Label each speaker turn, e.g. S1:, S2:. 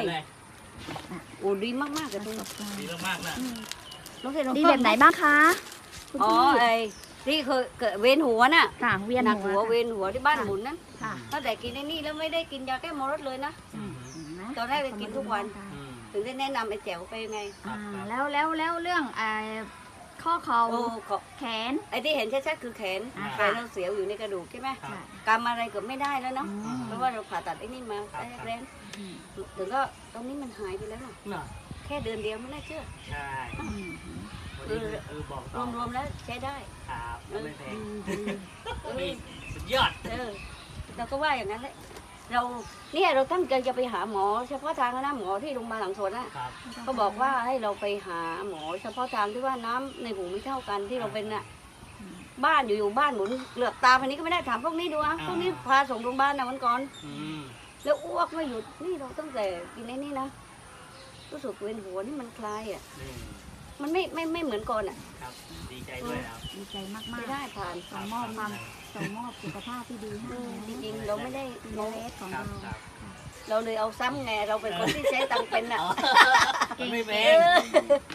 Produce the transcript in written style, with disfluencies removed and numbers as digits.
S1: โอ้ดีมากๆเลยตรงนี้
S2: ดีมากๆนะ
S3: ดีแบบไหนบ้างคะคุณ
S1: อ๋อ
S3: พี่
S1: ไอ้ที่เคยเกิดเวียนหัวน่ะ
S3: ค่ะเวียน
S1: หนัก
S3: หั
S1: หั
S3: ว
S1: วเวียนหัวที่บ้านหมุนนั้น
S3: ค่ะ
S1: ตั้งแต่กินไอ้นี่แล้วไม่ได้กินยาแก้มรดเลยนะ
S3: เห็นไหม
S1: ตอนแรกไปกินทุกวัน
S2: อืม
S1: ถึงได้แนะนำไอ้แจ๋วไปไง
S3: แล้วเรื่องข้อเข่า
S1: โอ้ขอ
S3: แขน
S1: ไอ้ที่เห็นชัดๆคือแขน
S3: อ่า
S1: แขนเราเสียวอยู่ในกระดูกใช่ไหม
S2: ครับ
S1: กำอะไรเกือบไม่ได้แล้วเนาะ เพราะว่าเราผ่าตัดไอ้นี่มาแรงๆถึงก็ตอนนี้มันหายไปแล้วอะ
S2: เนาะ
S1: แค่เดือนเดียวไม่น่าเชื่อ
S2: ใช่วันนี้บอกต่อ
S1: รวมๆแล้วใช้ได้
S2: ครับแล้วไม่แพง
S1: เออ
S2: นี่สุดยอด
S1: เราก็ว่าอย่างนั้นแหละเราตั้งใจจะไปหาหมอเฉพาะทางนะหมอที่โรงพยาบาลหลังสวนน่ะ
S2: ครับ
S1: ก็บอกว่าให้เราไปหาหมอเฉพาะทางที่ว่าน้ำในหูไม่เท่ากันที่เราเป็นน่ะบ้านอยู่บ้านหมุนเหลือบตาพันนี้ก็ไม่ได้ถามพวกนี้ดูอ่ะพวกนี้พาส่งโรงพยาบาลนะวันก่อน
S2: อืม
S1: แล้วอ้วกไม่หยุดนี่เราตั้งแต่กินไอ้นี่นะรู้สึกเวียนหัวนี่มันคลายอ่ะ
S2: นี่
S1: มันไม่เหมือนก่อนอ่ะ
S2: ครับดีใจด้วยครับ
S3: ดีใจมาก
S1: ไม่ได้ผ่าน
S3: ๆส่งมอบสุขภาพที่ดีให้
S1: จริงๆเราไม่ได้
S3: โนเลสของ
S2: ครั
S3: เรา
S2: บครับ
S1: เราเลยเอาซ้ำไงเราเป็นคนที่ใช้ตังค์เป็นอ่ะ
S2: มันไม่แพง